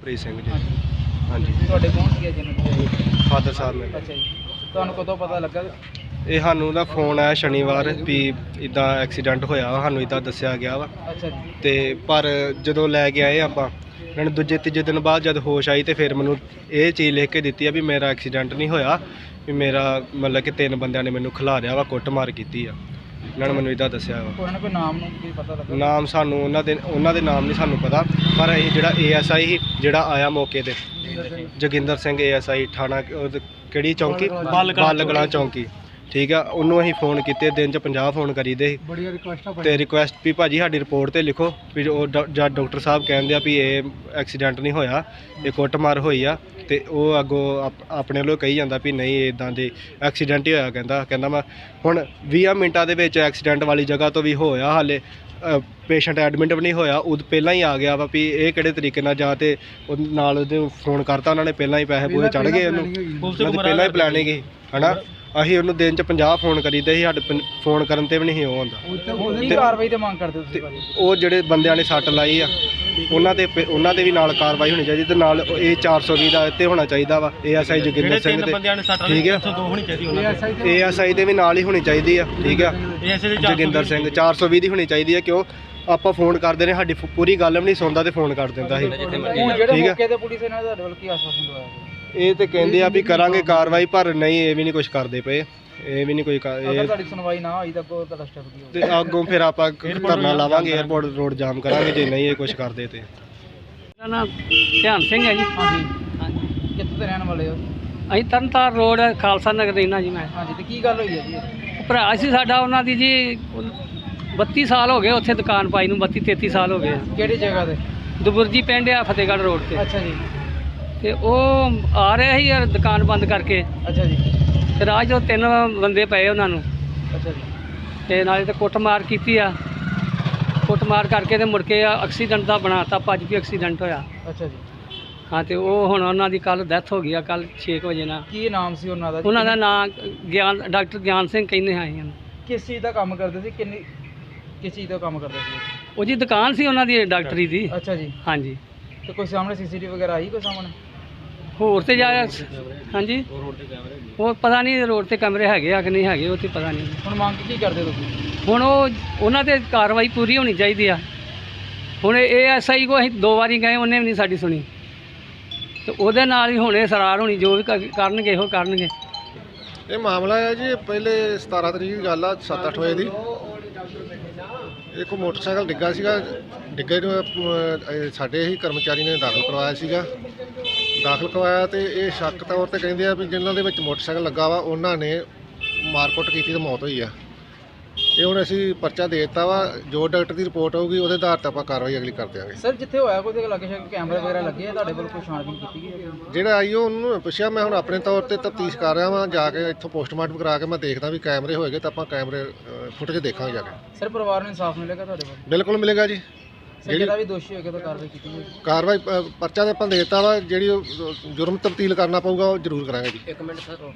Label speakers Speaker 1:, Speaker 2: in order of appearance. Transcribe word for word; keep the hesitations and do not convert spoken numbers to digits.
Speaker 1: ਪ੍ਰੀਤ ਸਿੰਘ ਜੀ।
Speaker 2: ਹਾਂਜੀ ਤੁਹਾਡੇ ਕੌਣ ਸੀ ਜਿਹਨਾਂ
Speaker 1: ਫਾਦਰ ਸਾਹਿਬ ਮੇਰੇ।
Speaker 2: ਅੱਛਾ ਜੀ, ਤੁਹਾਨੂੰ ਕਦੋਂ ਪਤਾ ਲੱਗਾ?
Speaker 1: ਇਹ ਸਾਨੂੰ ਦਾ ਫੋਨ ਆਇਆ ਸ਼ਨੀਵਾਰ ਵੀ ਇਦਾਂ ਐਕਸੀਡੈਂਟ ਹੋਇਆ ਵਾ, ਸਾਨੂੰ ਇਦਾਂ ਦੱਸਿਆ ਗਿਆ ਵਾ।
Speaker 2: ਅੱਛਾ ਜੀ।
Speaker 1: ਤੇ ਪਰ ਜਦੋਂ ਲੈ ਕੇ ਆਏ ਆਪਾਂ ਇਹਨਾਂ ਨੇ ਦੂਜੇ ਤੀਜੇ ਦਿਨ ਬਾਅਦ ਜਦ ਹੋਸ਼ ਆਈ ਤੇ ਫਿਰ ਮੈਨੂੰ ਇਹ ਚੀਜ਼ ਲਿਖ ਕੇ ਦਿੱਤੀ ਆ ਵੀ ਮੇਰਾ ਐਕਸੀਡੈਂਟ ਨਹੀਂ ਹੋਇਆ, ਵੀ ਮੇਰਾ ਮਤਲਬ ਕਿ ਤਿੰਨ ਬੰਦਿਆਂ ਨੇ ਮੈਨੂੰ ਖਿਲਾਰਿਆ ਵਾ, ਕੁੱਟਮਾਰ ਕੀਤੀ ਆ। ਇਹਨਾਂ ਨੇ ਮੈਨੂੰ ਇਦਾਂ ਦੱਸਿਆ ਵਾ।
Speaker 2: ਉਹਨਾਂ ਕੋਈ ਨਾਮ ਨੂੰ ਕੀ ਪਤਾ ਲੱਗਾ?
Speaker 1: ਨਾਮ ਸਾਨੂੰ ਉਹਨਾਂ ਦੇ ਉਹਨਾਂ ਦੇ ਨਾਮ ਨਹੀਂ ਸਾਨੂੰ ਪਤਾ, ਪਰ ਇਹ ਜਿਹੜਾ ਏ ਐਸ ਆਈ ਸੀ ਜਿਹੜਾ ਆਇਆ ਮੌਕੇ ਤੇ, Joginder Singh A S I ਥਾਣਾ ਉਹ ਕਿਹੜੀ ਚੌਂਕੀ, ਬਾਲਗਲਾ ਚੌਂਕੀ, ਠੀਕ ਆ। ਉਹਨੂੰ ਅਸੀਂ ਫੋਨ ਕੀਤੇ, ਦਿਨ 'ਚ ਪੰਜਾਹ ਫੋਨ ਕਰੀਦੇ ਸੀ ਤੇ ਰਿਕੁਐਸਟ ਵੀ ਭਾਜੀ ਸਾਡੀ ਰਿਪੋਰਟ ਤੇ ਲਿਖੋ ਵੀ ਉਹ ਜਦ ਡਾਕਟਰ ਸਾਹਿਬ ਕਹਿੰਦੇ ਆ ਵੀ ਇਹ ਐਕਸੀਡੈਂਟ ਨਹੀਂ ਹੋਇਆ, ਇਹ ਕੁੱਟਮਾਰ ਹੋਈ ਆ। ਤੇ ਉਹ ਅੱਗੋਂ ਆਪ- ਆਪਣੇ ਵੱਲੋਂ ਕਹੀ ਜਾਂਦਾ ਵੀ ਨਹੀਂ ਇੱਦਾਂ ਦੇ ਐਕਸੀਡੈਂਟ ਹੀ ਹੋਇਆ। ਕਹਿੰਦਾ ਕਹਿੰਦਾ ਮੈਂ ਹੁਣ ਵੀਹ ਮਿੰਟਾਂ ਦੇ ਵਿੱਚ ਐਕਸੀਡੈਂਟ ਵਾਲੀ ਜਗ੍ਹਾ ਤੋਂ ਵੀ ਹੋਇਆ, ਹਾਲੇ ਪੇਸ਼ੈਂਟ ਐਡਮਿਟ ਵੀ ਨਹੀਂ ਹੋਇਆ, ਉਦੋਂ ਪਹਿਲਾਂ ਹੀ ਆ ਗਿਆ ਵਾ ਵੀ ਇਹ ਕਿਹੜੇ ਤਰੀਕੇ ਨਾਲ ਜਾਂ ਤੇ ਉਹ ਨਾਲ ਉਹਦੇ ਫੋਨ ਕਰਤਾ ਉਹਨਾਂ ਨੇ, ਪਹਿਲਾਂ ਹੀ ਪੈਸੇ ਪੂਸੇ ਚੜ੍ਹ ਗਏ ਉਹਨੂੰ, ਉਹਨਾਂ ਦੀ ਪਹਿਲਾਂ ਹੀ ਪਲੈਨਿੰਗ ਸੀ ਹੈ ਨਾ। ਅਸੀਂ ਉਹਨੂੰ ਦਿਨ 'ਚ ਪੰਜਾਹ ਫੋਨ ਕਰੀਦੇ ਸੀ, ਸਾਡੇ ਫੋਨ ਕਰਨ ਤੇ ਵੀ ਨਹੀਂ ਉਹ ਹੁੰਦਾ।
Speaker 2: ਕੀ ਕਾਰਵਾਈ ਤੇ ਮੰਗ ਕਰਦੇ ਤੁਸੀਂ?
Speaker 1: ਉਹ ਜਿਹੜੇ ਬੰਦਿਆਂ ਨੇ ਸੱਟ ਲਾਈ ਆ ਉਹਨਾਂ ਤੇ ਉਹਨਾਂ ਤੇ ਵੀ ਨਾਲ ਕਾਰਵਾਈ ਹੋਣੀ ਚਾਹੀਦੀ, ਤੇ ਨਾਲ ਇਹ ਚਾਰ ਸੌ ਵੀਹ ਦਾ ਇੱਥੇ ਹੋਣਾ ਚਾਹੀਦਾ ਵਾ। A S I Joginder Singh ਤੇ ਠੀਕ ਆ, ਏ ਐਸ ਆਈ ਤੇ ਵੀ ਨਾਲ ਹੀ ਹੋਣੀ ਚਾਹੀਦੀ ਆ, ਠੀਕ ਆ। ਜੋਗਿੰਦਰ ਸਿੰਘ ਚਾਰ ਸੌ ਵੀਹ ਦੀ ਹੋਣੀ ਚਾਹੀਦੀ ਆ, ਕਿਉਂ ਆਪਾਂ ਫੋਨ ਕਰਦੇ ਨੇ ਸਾਡੀ ਪੂਰੀ ਗੱਲ ਵੀ ਨਹੀਂ ਸੁਣਦਾ ਤੇ ਫੋਨ ਕਰ ਦਿੰਦਾ ਸੀ, ਠੀਕ ਆ।
Speaker 2: ਤੇ ਪੁਲਿਸ ਇਹਨਾਂ ਦਾ ਤੁਹਾਡੇ ਵੱਲ ਕੀ ਆਸ਼ਵਾਸਨ ਦਵਾਇਆ?
Speaker 1: ਇਹ ਤੇ ਕਹਿੰਦੇ ਆ ਵੀ ਕਰਾਂਗੇ ਕਾਰਵਾਈ, ਪਰ ਨਹੀਂ ਇਹ ਵੀ ਨਹੀਂ ਕੁਝ ਕਰਦੇ ਪਏ, ਇਹ ਵੀ ਨਹੀਂ ਕੋਈ ਕਾ-
Speaker 2: ਅਗਰ
Speaker 1: ਇਹ
Speaker 2: ਤੁਹਾਡੀ ਸੁਣਵਾਈ ਨਾ ਹੋਈ ਤਾਂ ਅੱਗੋਂ ਤੁਹਾਡਾ ਸਟੈਪ ਕੀ ਹੋਊਗਾ?
Speaker 1: ਤੇ ਅੱਗੋਂ ਫਿਰ ਆਪਾਂ ਧਰਨਾ ਲਾਵਾਂਗੇ, 에ਅਰਪੋਰਟ ਰੋਡ ਜਾਮ ਕਰਾਂਗੇ ਜੇ ਨਹੀਂ ਇਹ ਕੁਝ ਕਰਦੇ ਤੇ।
Speaker 3: ਮੇਰਾ ਨਾਮ ਧਿਆਨ ਸਿੰਘ ਹੈ ਜੀ।
Speaker 2: ਹਾਂਜੀ ਹਾਂਜੀ, ਕਿੱਥੋਂ ਦੇ ਰਹਿਣ ਵਾਲੇ ਹੋ?
Speaker 3: ਅਸੀਂ ਤਰਨਤਾਰਨ ਰੋਡ ਖਾਲਸਾ ਨਗਰ ਰਹਿਣਾ ਜੀ ਮੈਂ।
Speaker 2: ਹਾਂਜੀ, ਤੇ ਕੀ ਗੱਲ ਹੋਈ ਹੈ ਜੀ?
Speaker 3: ਭਰਾ ਸੀ ਸਾਡਾ, ਉਹਨਾਂ ਦੀ ਜੀ ਬੱਤੀ ਸਾਲ ਹੋ ਗਏ ਉੱਥੇ ਦੁਕਾਨ ਪਾਈ ਨੂੰ, ਬੱਤੀ ਤੇਤੀ ਸਾਲ ਹੋ ਗਏ।
Speaker 2: ਕਿਹੜੀ ਜਗ੍ਹਾ ਤੇ?
Speaker 3: ਦੁਬੁਰਜੀ ਪਿੰਡ ਆ ਫਤਿਹਗੜ੍ਹ ਰੋਡ ਤੇ।
Speaker 2: ਅੱਛਾ ਜੀ।
Speaker 3: ਤੇ ਉਹ ਆ ਰਹੇ ਸੀ ਯਾਰ ਦੁਕਾਨ ਬੰਦ ਕਰਕੇ,
Speaker 2: ਅੱਛਾ ਜੀ।
Speaker 3: ਤੇ ਰਾਹ 'ਚੋਂ ਤਿੰਨ ਬੰਦੇ ਪਏ ਉਹਨਾਂ ਨੂੰ,
Speaker 2: ਅੱਛਾ ਜੀ।
Speaker 3: ਤੇ ਨਾਲੇ ਤੇ ਕੁੱਟਮਾਰ ਕੀਤੀ ਆ, ਕੁੱਟਮਾਰ ਕਰਕੇ ਤੇ ਮੁੜ ਕੇ ਐਕਸੀਡੈਂਟ ਦਾ ਬਣਾਤਾ, ਭੱਜ ਵੀ ਐਕਸੀਡੈਂਟ ਹੋਇਆ।
Speaker 2: ਅੱਛਾ ਜੀ।
Speaker 3: ਹਾਂ, ਤੇ ਉਹ ਹੁਣ ਉਹਨਾਂ ਦੀ ਕੱਲ ਡੈਥ ਹੋ ਗਈ ਆ, ਕੱਲ ਛੇ ਕੁ ਵਜੇ ਨਾਲ।
Speaker 2: ਕੀ ਨਾਮ ਸੀ ਉਹਨਾਂ ਦਾ?
Speaker 3: ਉਹਨਾਂ ਦਾ ਨਾਂ ਗਿਆਨ ਡਾਕਟਰ ਗਿਆਨ ਸਿੰਘ ਕਹਿੰਦੇ ਹਾਂ ਜੀ।
Speaker 2: ਕਿਸ ਚੀਜ਼ ਦਾ ਕੰਮ ਕਰਦੇ ਸੀ? ਕਿੰਨੀ ਕਿਸ ਚੀਜ਼ ਦਾ ਕੰਮ ਕਰਦੇ ਸੀ?
Speaker 3: ਉਹ ਜੀ ਦੁਕਾਨ ਸੀ ਉਹਨਾਂ ਦੀ ਡਾਕਟਰੀ ਦੀ।
Speaker 2: ਅੱਛਾ ਜੀ।
Speaker 3: ਹਾਂਜੀ।
Speaker 2: ਤੇ ਕੋਈ ਸਾਹਮਣੇ ਸੀਸੀਟੀਵੀ ਵਗੈਰਾ ਆਈ ਕੋਈ ਸਾਹਮਣੇ?
Speaker 3: ਹੋਰ ਤੇ ਜਾ ਹਾਂਜੀ, ਉਹ ਪਤਾ ਨਹੀਂ ਰੋਡ ਤੇ ਕੈਮਰੇ ਹੈਗੇ ਆ ਕਿ ਨਹੀਂ ਹੈਗੇ, ਉਹ ਤੇ ਪਤਾ ਨਹੀਂ।
Speaker 2: ਹੁਣ ਮੰਗ ਕੀ ਕਰਦੇ ਤੁਸੀਂ?
Speaker 3: ਹੁਣ ਉਹ ਉਹਨਾਂ ਤੇ ਕਾਰਵਾਈ ਪੂਰੀ ਹੋਣੀ ਚਾਹੀਦੀ ਆ। ਹੁਣ ਇਹ ਐਸ ਆਈ ਕੋ ਅਸੀਂ ਦੋ ਵਾਰੀ ਗਏ, ਉਹਨੇ ਵੀ ਨਹੀਂ ਸਾਡੀ ਸੁਣੀ, ਤੇ ਉਹਦੇ ਨਾਲ ਹੀ ਹੁਣੇ ਸਰਾਰ ਹੋਣੀ, ਜੋ ਵੀ ਕ- ਕਰਨਗੇ ਇਹੋ ਕਰਨਗੇ।
Speaker 1: ਇਹ ਮਾਮਲਾ ਹੈ ਜੀ ਪਹਿਲੇ ਸਤਾਰਾਂ ਤਰੀਕ ਦੀ ਗੱਲ ਆ, ਸੱਤ ਅੱਠ ਵਜੇ ਦੀ। ਇੱਕ ਮੋਟਰਸਾਈਕਲ ਡਿੱਗਾ ਸੀਗਾ, ਡਿੱਗੇ ਨੂੰ ਅਹ, ਸਾਡੇ ਹੀ ਕਰਮਚਾਰੀ ਨੇ ਦਾਖਲ ਕਰਵਾਇਆ ਸੀਗਾ। ਦਾਖਲ ਕਰਵਾਇਆ ਤੇ ਇਹ ਸ਼ੱਕ ਤੌਰ ਤੇ ਕਹਿੰਦੇ ਆ ਵੀ ਜਿਨ੍ਹਾਂ ਦੇ ਵਿੱਚ ਮੋਟਰਸਾਈਕਲ ਲੱਗਾ ਵਾ ਉਹਨਾਂ ਨੇ ਮਾਰਕੁੱਟ ਕੀਤੀ ਤੇ ਮੌਤ ਹੋਈ ਆ। ਇਹ ਹੁਣ ਅਸੀਂ ਪਰਚਾ ਦੇ ਦਿੱਤਾ ਵਾ, ਜੋ ਡਾਕਟਰ ਦੀ ਰਿਪੋਰਟ ਆਊਗੀ ਉਹਦੇ ਆਧਾਰ ਤੇ ਆਪਾਂ ਕਾਰਵਾਈ ਅਗਲੀ ਕਰ ਦਿਆਂਗੇ।
Speaker 2: ਸਰ, ਜਿੱਥੇ ਹੋਇਆ ਕੋਈ ਲੱਗੇ ਸ਼ੱਕ ਕੈਮਰੇ ਵਗੈਰਾ ਲੱਗੇ ਆ, ਤੁਹਾਡੇ ਵੱਲ ਕੋਈ ਛਾਣਬੀਨ ਕੀਤੀ ਗਈ ਹੈ?
Speaker 1: ਜਿਹੜਾ ਆਈ ਉਹ ਉਹਨੂੰ ਪੁੱਛਿਆ, ਮੈਂ ਹੁਣ ਆਪਣੇ ਤੌਰ ਤੇ ਤਫਤੀਸ਼ ਕਰ ਰਿਹਾ ਵਾਂ, ਜਾ ਕੇ ਇੱਥੋਂ ਪੋਸਟਮਾਰਟਮ ਕਰਾ ਕੇ ਮੈਂ ਦੇਖਦਾ ਵੀ ਕੈਮਰੇ ਹੋਏਗੇ ਤਾਂ ਆਪਾਂ ਕੈਮਰੇ ਫੁਟੇਜ ਦੇਖਾਂਗੇ ਜਾ ਕੇ।
Speaker 2: ਸਰ, ਪਰਿਵਾਰ ਨੂੰ ਇਨਸਾਫ ਮਿਲੇਗਾ ਤੁਹਾਡੇ ਵੱਲ?
Speaker 1: ਬਿਲਕੁਲ ਮਿਲੇਗਾ ਜੀ।
Speaker 2: ਸਰ, ਜਿਹੜਾ ਵੀ ਦੋਸ਼ੀ ਹੋਏਗਾ ਤਾਂ ਕਾਰਵਾਈ ਕੀਤੀ ਜਾਏਗੀ?
Speaker 1: ਕਾਰਵਾਈ ਅ, ਪਰਚਾ ਤੇ ਆਪਾਂ ਦੇ ਦਿੱਤਾ ਵਾ, ਜਿਹੜੀ ਉਹ ਜੁਰਮ ਤਬਦੀਲ ਕਰਨਾ ਪਊਗਾ ਉਹ ਜ਼ਰੂਰ ਕਰਾਂਗੇ ਜੀ।
Speaker 2: ਇੱਕ ਮਿੰਟ ਸਰ।